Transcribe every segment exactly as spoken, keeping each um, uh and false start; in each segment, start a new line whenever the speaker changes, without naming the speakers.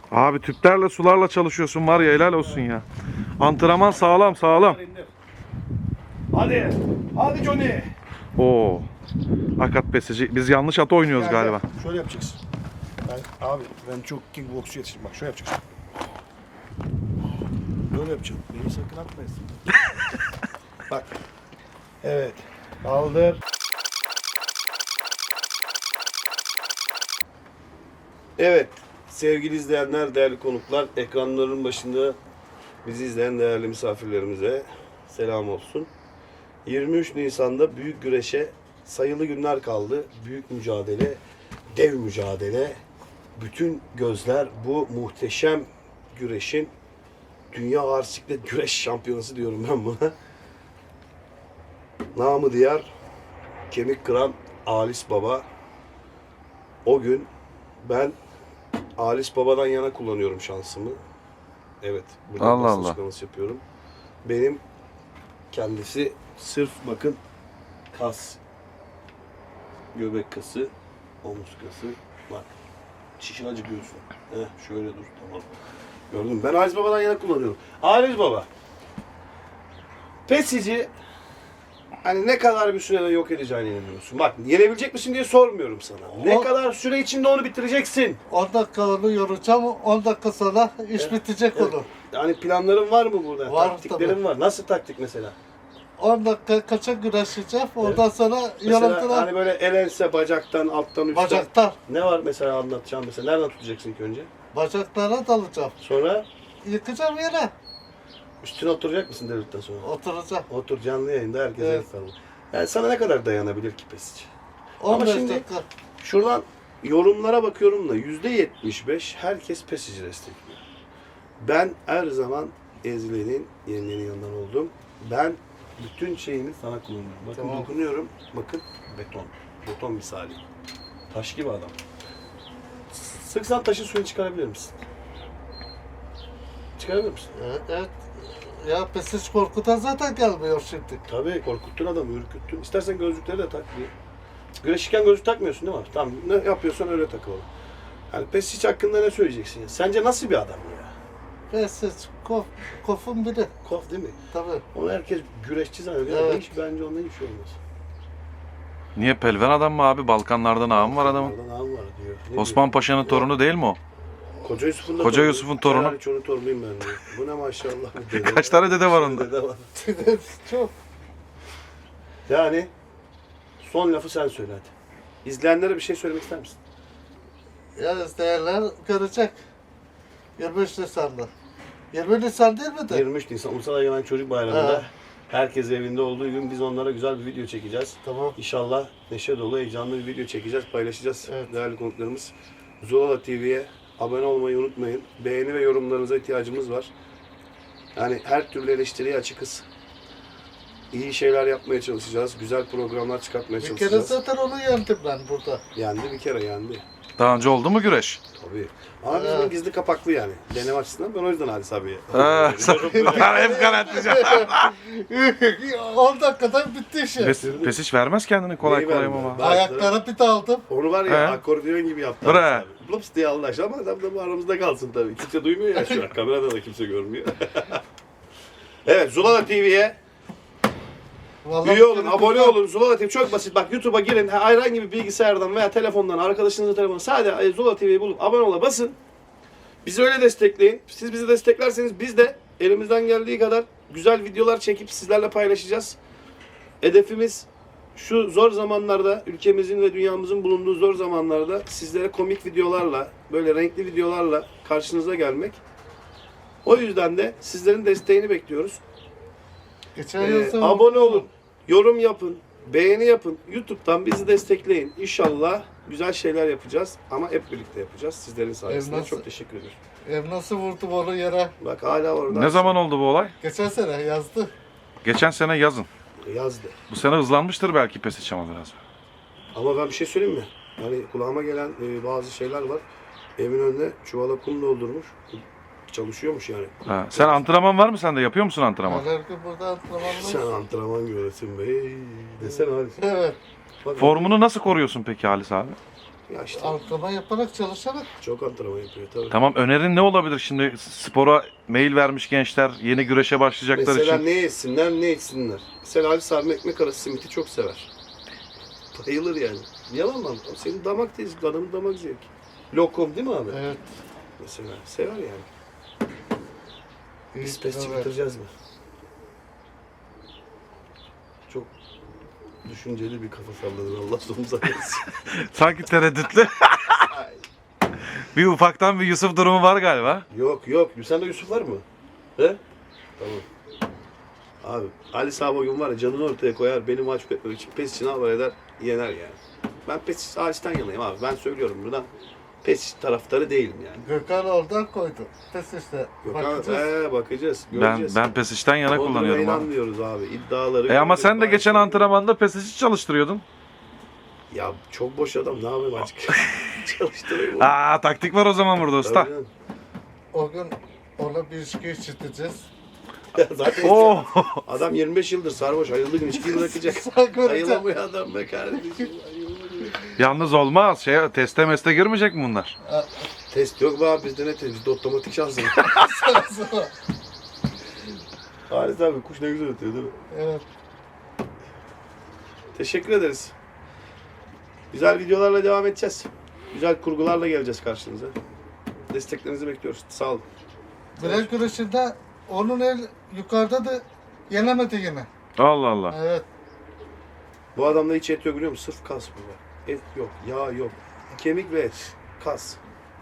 Abi tüplerle sularla çalışıyorsun var ya, helal olsun ya. Antrenman sağlam sağlam.
Hadi. Hadi Johnny.
Oo. Hakikat pesici. Biz yanlış at oynuyoruz
Gel,
galiba.
gel. Şöyle yapacaksın. Ben, abi ben çok kickboksçu yetiştim. Bak şöyle yapacaksın. Böyle yapacaksın. Beni sakın atmayasın. Bak. Evet. Kaldır. Evet. Sevgili izleyenler, değerli konuklar, ekranların başında bizi izleyen değerli misafirlerimize selam olsun. yirmi üç Nisan'da büyük güreşe sayılı günler kaldı. Büyük mücadele, dev mücadele. Bütün gözler bu muhteşem güreşin Dünya Ağır Siklet Güreş Şampiyonası diyorum ben buna. Namı diğer kemik kıran Alis Baba. O gün ben Alis Baba'dan yana kullanıyorum şansımı. Evet, burada
Allah
basın
Allah.
açıklaması yapıyorum. Benim kendisi sırf bakın kas, göbek kası, omuz kası. Bak, şişin acıkıyorsun. Heh, şöyle dur, tamam. Gördün mü? Ben Alis Baba'dan yana kullanıyorum. Alis Baba, pesici hani ne kadar bir sürede yok edeceğine inanıyorsun? Bak, yenebilecek misin diye sormuyorum sana. Ne
O-
kadar süre içinde onu bitireceksin?
on dakika onu yoracağım, on dakika sonra iş bitecek
Evet.
olur.
Yani planların var mı burada?
Var
Taktiklerin
tabii.
var. Nasıl taktik mesela?
on dakika kaça güreşeceğim, ondan sonra
Mesela
yorultular
hani böyle el ense, bacaktan, alttan, üstten.
bacaklar.
Ne var mesela anlatacağım mesela? Nereden tutacaksın ilk önce?
Bacaklara dalacağım.
Sonra
Yıkacağım yere,
üstüne oturacak mısın devletten sonra?
oturacağım.
Otur canlı yayında herkese
Evet.
evet. Yani sana ne kadar dayanabilir ki pesici? Ama
on beş
şimdi-
dakika.
Şuradan yorumlara bakıyorum da yüzde yetmiş beş herkes pesici destekliyor. Ben her zaman ezilenin, yenilenin yanından oldum. Ben bütün şeyimi sana kullanıyorum. Bakın
Tamam.
dokunuyorum. Bakın beton. Beton misali. Taş gibi adam. Sıksan taşın suyunu çıkarabilir misin? Çıkarabilir misin?
Evet, evet. Ya pesiç korkutan zaten gelmiyor şimdi.
Tabii korkuttun adamı, ürküttün. İstersen gözlükleri de tak diye. Güreşirken gözlük takmıyorsun değil mi? Tamam, ne yapıyorsan öyle takıl. Yani Pesic hakkında ne söyleyeceksin ya? Sence nasıl bir adam ya?
Pesiç, kof, kofun biri.
Kof değil mi?
Tabii.
Onu herkes güreşçi zannediyor.
Evet.
Hiç bence ondan hiçbir şey olmaz.
Niye, pelven adam mı abi? Balkanlardan ağam var adamın.
Onlardan ağam var diyor. Ne
Osman
diyor?
Paşa'nın torunu değil mi o?
Koca Yusuf'un da
Koca
torunu.
Yusuf'un torunu.
Yani çoğunun torunuyum ben diyor. Bu ne maşallah. Dede
Kaç tane dede var onda?
Dede var.
Çok.
Yani son lafı sen söyle hadi. İzleyenlere bir şey söylemek ister misin?
Ya izleyenler görecek. yirmi üç Nisan'da. yirmi Nisan değil mi de?
yirmi üç Nisan Ulusal Egemen Çocuk Bayramı'nda
Ha.
herkes evinde olduğu gün biz onlara güzel bir video çekeceğiz.
Tamam.
İnşallah neşe dolu, heyecanlı bir video çekeceğiz, paylaşacağız
Evet.
değerli konuklarımız. Zulala T V'ye abone olmayı unutmayın. Beğeni ve yorumlarınıza ihtiyacımız var. Yani her türlü eleştiriye açıkız. İyi şeyler yapmaya çalışacağız, güzel programlar çıkartmaya
Bir kere
çalışacağız.
zaten onu yendim ben burada.
Yendi bir kere yendi.
Daha önce oldu mu güreş?
Tabii. Ama biz
Evet.
bunun gizli kapaklı yani. Deneme açısından ben o yüzden Halis abiye.
Ha, hep garantici.
on dakikada bitti işi.
Pes, Pesic vermez kendini kolay
Neyi
kolay
vermiyor?
ama.
Ben-
Ayaklara pit aldım.
Onu var ya
He.
akordeon gibi yaptı.
Bre.
Halis abi. Lups diye Allah aşkına ama adam da bu aramızda kalsın tabii. Kimse duymuyor ya şu an. Kamerada da kimse görmüyor. Evet, Zulala T V'ye
Vallahi
üye olun,
bir-
abone olun. Zulala T V çok basit. Bak YouTube'a girin. Herhangi bir bilgisayardan veya telefondan, arkadaşınızın telefonundan sadece Zulala T V'yi bulup abone ola basın. Bizi öyle destekleyin. Siz bizi desteklerseniz biz de elimizden geldiği kadar güzel videolar çekip sizlerle paylaşacağız. Hedefimiz şu zor zamanlarda, ülkemizin ve dünyamızın bulunduğu zor zamanlarda sizlere komik videolarla, böyle renkli videolarla karşınıza gelmek. O yüzden de sizlerin desteğini bekliyoruz.
Geçen
Ee,
yıl sonra-
abone olun, yorum yapın, beğeni yapın. YouTube'dan bizi destekleyin. İnşallah güzel şeyler yapacağız ama hep birlikte yapacağız. Sizlerin sayesinde.
nasıl-
Çok teşekkür ederim.
Ev nasıl vurdum onu yere?
Bak hala orada.
Ne zaman oldu bu olay?
Geçen sene yazdı.
Geçen sene yazın.
Yazdı.
Bu sene hızlanmıştır belki Pesic ama biraz.
Ama ben bir şey söyleyeyim mi? Hani kulağıma gelen e, bazı şeyler var. Evin önüne çuvala kum doldurmuş. Çalışıyormuş yani.
Ha. Sen antrenman var mı sende? Yapıyor musun antrenman?
Her gün burada antrenmanlar.
Sen antrenman göresin be. Desene abi.
Evet.
Bak,
Formunu nasıl koruyorsun peki Halis abi?
Ya işte
Antrenman yaparak çalışarak.
çok antrenman yapıyor tabii.
Tamam, önerin ne olabilir şimdi? Spora mail vermiş gençler, yeni güreşe başlayacaklar
Mesela
için.
ne yesinler ne içsinler. Mesela Ali Sami ekmek arası simiti çok sever. Bayılır yani. Yalan mı? Senin damak tezi, adamın damak zevki. Lokum değil mi abi?
Evet.
Mesela sever yani.
iyi
Biz pesçi
kilo ver.
bitireceğiz mi? Çok düşünceli bir kafa salladın. Allah sonumuza versin.
Sanki tereddütlü. Bir ufaktan bir Yusuf durumu var galiba.
Yok yok. Sende Yusuf var mı? He? Tamam. Abi Ali Sami o gün var ya canını ortaya koyar. Beni mahcup etmek için pes için alvar eder. Yener yani. Ben pes hariçten yanayım abi. Ben söylüyorum buradan. Pes taraftarı değilim yani.
Gökhan oradan koydu. Pes işte.
Yok
Bakacağız.
abi, ee, bakacağız.
Ben
Göreceğiz.
ben Pesiş'ten yana
Bodrum'a
kullanıyorum abi.
inanmıyoruz abi. İddiaları.
E ama sen de
görüyoruz.
geçen antrenmanda Pesiş'i çalıştırıyordun.
Ya çok boş adam. Ne yapayım açık? Çalıştırayım onu.
Aa, taktik var o zaman burada usta.
Tabii canım.
O gün ona bir içki içirteceğiz.
Ya zaten
Oh.
adam yirmi beş yıldır sarhoş. Ayıldığı gün içkiyi bırakacak.
Sen göreceksin.
Ayılamıyor adam be kardeşim. Ayılamıyor.
Yalnız olmaz. Şey, teste meste girmeyecek mi bunlar?
Test yok be abi bizde ne test? Bizde otomatik şansım. Halis abi kuş ne güzel ötüyor değil mi?
Evet.
Teşekkür ederiz. Güzel videolarla devam edeceğiz. Güzel kurgularla geleceğiz karşınıza. Desteklerinizi bekliyoruz. Sağ olun.
Bilek güreşinde onun el yukarıda da yenemedi yine.
Allah Allah.
Evet.
Bu adamda hiç et yok biliyor musun? Sırf kas bu var. Et yok, yağ yok. Kemik ve et. Kas.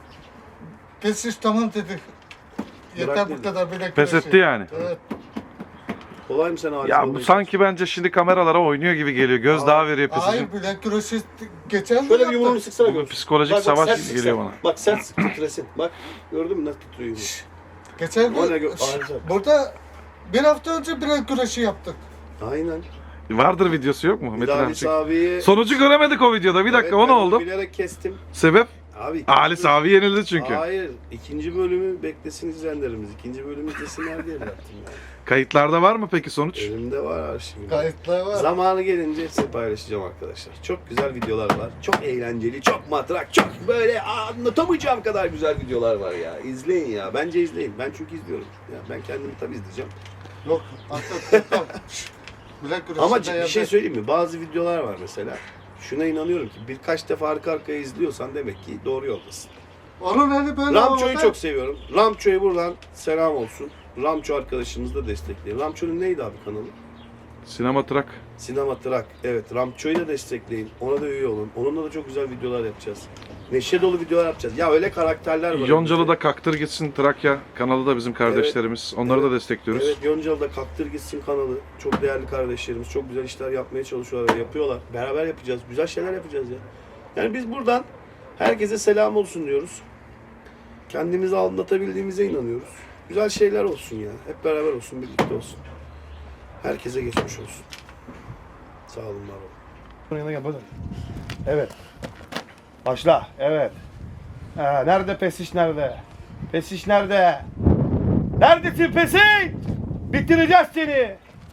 Pes iş tamam dedi. Yeter
Bırak
bu
dedi.
kadar bilek
Pes
güreşi.
etti yani.
Evet.
Kolay mı sen Halis?
Ya bu
olmayı?
sanki bence şimdi kameralara oynuyor gibi geliyor. Göz
Aa,
daha veriyor Pesiş'in.
Hayır bilek güreşi geçen de
Şöyle bir
yaptı.
yumruğunu sıksana
Bu
gör.
psikolojik
Bak, bak,
savaş
sert
gibi
sık
geliyor
sen.
bana.
Bak sert sık titresin. Bak gördün mü nasıl titriyor yumruğu?
Geçen
O ne
de
gö- Halis abi.
burada bir hafta önce bilek güreşi yaptık.
Aynen.
Vardır videosu yok mu?
Bir
Metin
daha
abi.
Halis abiyi...
Sonucu göremedik o videoda. Bir dakika
Evet,
o ne
ben
oldu?
Bilerek kestim.
Sebep?
Abi
Halis abi yenildi çünkü.
Hayır. ikinci bölümü beklesin izleyenlerimiz. İkinci bölümü izlesinler diye yaptım yani.
Kayıtlarda var mı peki sonuç?
Elimde var arşivim.
Kayıtlar var.
Zamanı gelince hepsini paylaşacağım arkadaşlar. Çok güzel videolar var. Çok eğlenceli, çok matrak, çok böyle anlatamayacağım kadar güzel videolar var ya. İzleyin ya. Bence izleyin. Ben çünkü izliyorum. Ya ben kendimi tabii izleyeceğim.
Yok. Hatta bilek güreşi
Ama
de
bir şey
yaptık.
söyleyeyim mi? Bazı videolar var mesela. Şuna inanıyorum ki birkaç defa arka arkaya izliyorsan demek ki doğru yoldasın.
Onun eli böyle
Ramço'yu
havada-
çok seviyorum. Ramço'ya buradan selam olsun. Ramço arkadaşımızı da destekleyin. Ramço'nun neydi abi kanalı?
Sinema Trak.
Sinema Trak. Evet, Ramço'yu da destekleyin. Ona da üye olun. Onunla da çok güzel videolar yapacağız. Neşe dolu videolar yapacağız. Ya öyle karakterler var.
Yoncalı'da Kaktır Gitsin Trakya kanalı da bizim kardeşlerimiz. Onları
Evet.
da destekliyoruz.
Evet, Yoncalı'da Kaktır Gitsin kanalı. Çok değerli kardeşlerimiz. Çok güzel işler yapmaya çalışıyorlar ve yapıyorlar. Beraber yapacağız. Güzel şeyler yapacağız ya. Yani biz buradan herkese selam olsun diyoruz. Kendimizi anlatabildiğimize inanıyoruz. Güzel şeyler olsun ya. Hep beraber olsun, birlikte olsun. Herkese geçmiş olsun. Sağ olun, var olun.
Yanına gel bakın. Evet. Başla. Evet. Ha, nerede Pesiş nerede? Pesiş nerede? Neredesin Pesiş? Bitireceğiz seni.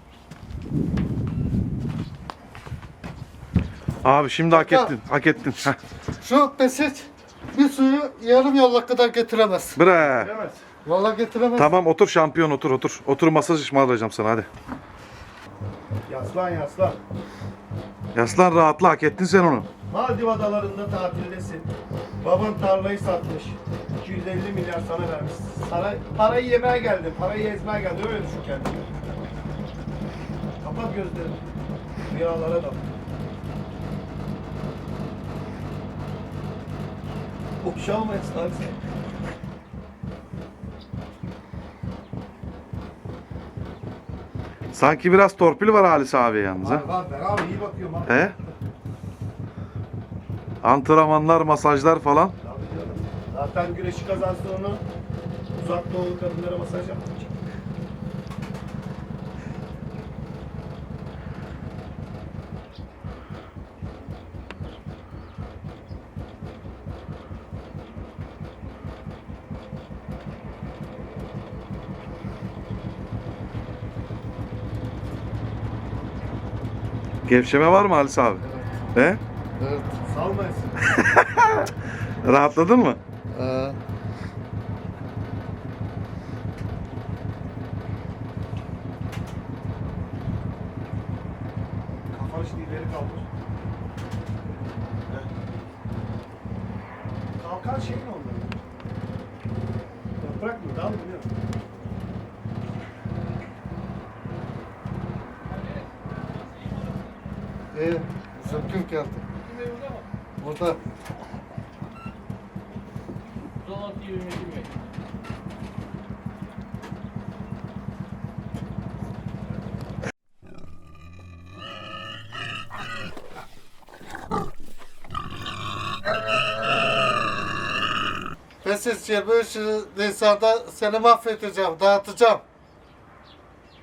Abi şimdi hak
Ya.
ettin. Hak ettin. Heh.
Şu pesit bir suyu yarım yolla kadar getiremez.
Bre.
Bilemez.
Vallahi getiremez.
Tamam otur şampiyon otur otur. Otur masaj ısmarlayacağım sana hadi.
Yaslan yaslan.
Yaslan rahatla hak ettin sen onu.
Maldiv adalarında tatildesin. Baban tarlayı satmış. iki yüz elli milyar sana vermiş. Sana, parayı yemeye geldin, parayı ezmeye geldin. Öyle düşün kendini. Kapat gözlerini. Rüyalara dal. Boşalmayasın abi sen.
Sanki biraz torpil var Halis abi yalnız ha.
Var var ben abi iyi bakıyorum abi.
He? Antrenmanlar, masajlar falan.
Tabii canım. Zaten güreşi kazansın onu uzak doğulu kadınlara masaj yaptıracak.
Gevşeme var mı Halis abi? He?
Evet.
Salmayasın.
Rahatladın mı?
Ee,
Kafanı şimdi ileri kaldır. Evet. Kalkan şey ne onların? Yaprak mı? Dal mı? Ne?
iyi. Zıpkın geldi. Burada. Ben siz yirmi üç Nisan'da seni mahvedeceğim, dağıtacağım.